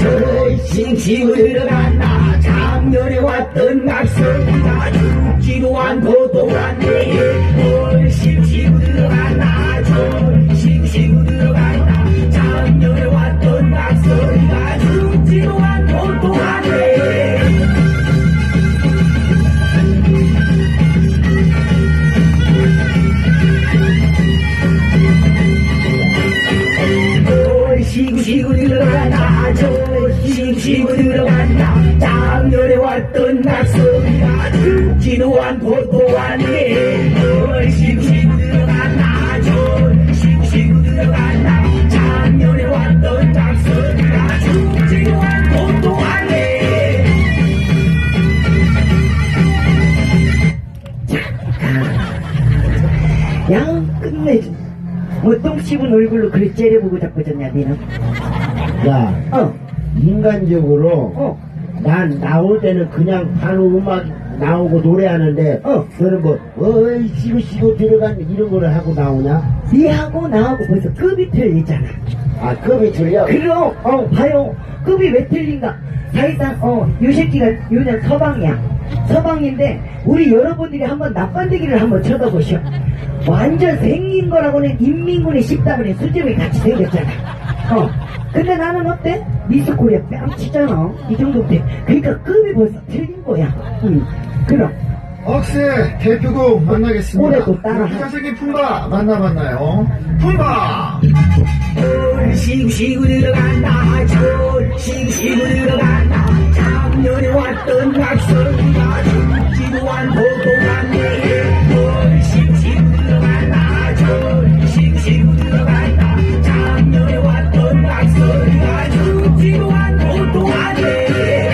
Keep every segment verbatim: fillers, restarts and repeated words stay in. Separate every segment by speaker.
Speaker 1: 절싱시고 들어간다. 작년에 왔던 낙서가 죽지도 않고 또 왔네. 절싱시고 들어간다. 절싱시고 들어간다. 작년에 왔던 낙서가 죽지도 않고 또 왔네. 시구 시구 들어간다. 저 시구 시구 들어간다. 작년에 왔던 낙서가 죽지도 않고 또 왔네. 저 시구 시구 들어간다. 저 시구 시구 들어간다. 작년에 왔던 낙서가 죽지도 않고 또 왔네.
Speaker 2: 야, 끝내줘. 뭐 똥 씹은 얼굴로 그래 째려보고 자꾸 졌냐 니는?
Speaker 3: 야,
Speaker 2: 어,
Speaker 3: 인간적으로
Speaker 2: 어,
Speaker 3: 난 나올 때는 그냥 바로 음악 나오고 노래하는데
Speaker 2: 어.
Speaker 3: 너는 뭐 어이 시고 시고 들어간 이런 거를 하고 나오냐?
Speaker 2: 니하고 나하고 벌써 급이 틀리잖아.
Speaker 3: 아 급이 틀려?
Speaker 2: 그럼 어 봐요, 급이 왜 틀린가? 사실상 어요 새끼가 요즘 서방이야. 서방인데 우리 여러분들이 한번 납반대기를 한번 쳐다보셔. 완전 생긴 거라고는 인민군의 십다분의 수제비 같이 생겼잖아. 어 근데 나는 어때? 미스코리아 뺨치잖아. 이 정도 돼. 그러니까 급이 벌써 틀린 거야. 응. 그럼
Speaker 4: 억세 대표곡 만나겠습니다.
Speaker 2: 올해도 따라
Speaker 4: 자식이 품바 만나봤나요? 품바.
Speaker 1: 시구 시구 들어간다. 저 시구 시구 들어간다. 작년에 왔던 낙서가 죽지도 않고 또 왔네. 시구 시구 들어간다. 저 시구 시구 들어간다. 작년에 왔던 낙서가 죽지도 않고 또 왔네.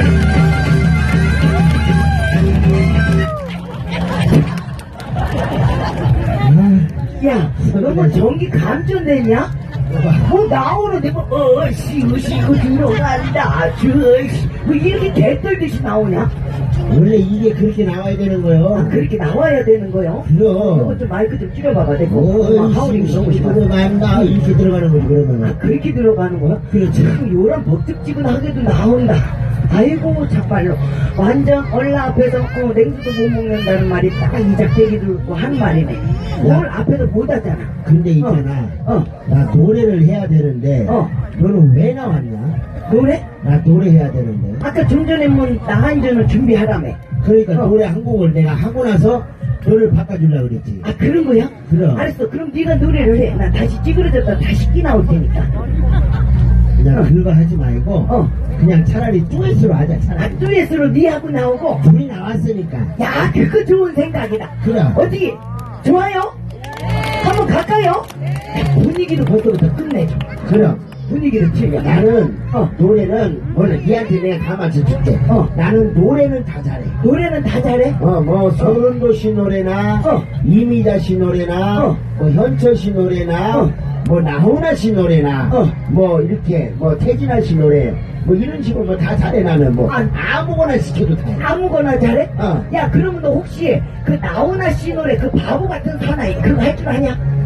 Speaker 2: 야, 너 뭐 전기 감전되냐? 뭐 나오는데 뭐 어, 시구 시구 들어간다. 저 뭐 이렇게 개떨듯이 나오냐?
Speaker 3: 원래 이게 그렇게 나와야 되는
Speaker 2: 아,
Speaker 3: 거요.
Speaker 2: 그렇게 나와야 되는 거요?
Speaker 3: 그럼.
Speaker 2: 너좀 마이크 좀 줄여봐봐. 내가
Speaker 3: 어이
Speaker 2: 하울링
Speaker 3: 시고
Speaker 2: 너무
Speaker 3: 시고
Speaker 2: 심하다.
Speaker 3: 들어간다 이렇게 들어가는 거지 그러면.
Speaker 2: 그렇게 들어가는 거야?
Speaker 3: 그렇지.
Speaker 2: 참 요런 법특지근하게도 나온다. 아이고 참말로 완전 얼라 앞에서 어, 냉수도 못 먹는다는 말이 딱 이 작대기 들고 하는 말이네. 오늘 앞에서 못 하잖아.
Speaker 3: 근데 있잖아.
Speaker 2: 어,
Speaker 3: 나 노래를 해야 되는데
Speaker 2: 어.
Speaker 3: 너는 왜 나왔냐?
Speaker 2: 노래?
Speaker 3: 나 노래 해야 되는데.
Speaker 2: 아까 좀 전에 뭐 나한전을 준비하라며.
Speaker 3: 그러니까
Speaker 2: 어.
Speaker 3: 노래 한 곡을 내가 하고 나서 너를 바꿔주려고 그랬지.
Speaker 2: 아 그런 거야?
Speaker 3: 그럼.
Speaker 2: 알았어. 그럼 네가 노래를 해. 나 다시 찌그러졌다 다시 끼 나올 테니까.
Speaker 3: 그냥
Speaker 2: 어.
Speaker 3: 그거 하지 말고
Speaker 2: 어.
Speaker 3: 그냥 차라리 듀엣으로 하자 차라리.
Speaker 2: 아 듀엣으로 니하고 나오고.
Speaker 3: 둘이 나왔으니까.
Speaker 2: 야 그거 좋은 생각이다.
Speaker 3: 그럼.
Speaker 2: 어떻게 좋아요? 한번 갈까요? 분위기도 벌써부터 끝내줘.
Speaker 3: 그럼
Speaker 2: 분위기를 틀려.
Speaker 3: 나는
Speaker 2: 어.
Speaker 3: 노래는 원래 니한테 내가 다 맞춰줄게.
Speaker 2: 어.
Speaker 3: 나는 노래는 다 잘해.
Speaker 2: 노래는 다 잘해?
Speaker 3: 어, 뭐, 서른도 씨 노래나,
Speaker 2: 어.
Speaker 3: 이미자 씨 노래나,
Speaker 2: 어.
Speaker 3: 뭐, 현철 씨 노래나,
Speaker 2: 어.
Speaker 3: 뭐, 나훈아 씨 노래나,
Speaker 2: 어.
Speaker 3: 뭐, 이렇게, 뭐, 태진아 씨 노래, 뭐, 이런 식으로 뭐 다 잘해, 나는 뭐.
Speaker 2: 아.
Speaker 3: 아무거나 시켜도 다 해.
Speaker 2: 아무거나 잘해?
Speaker 3: 어.
Speaker 2: 야 그러면 너 혹시 그 나훈아 씨 노래 그 바보 같은 사나이 그거 할 줄 아냐?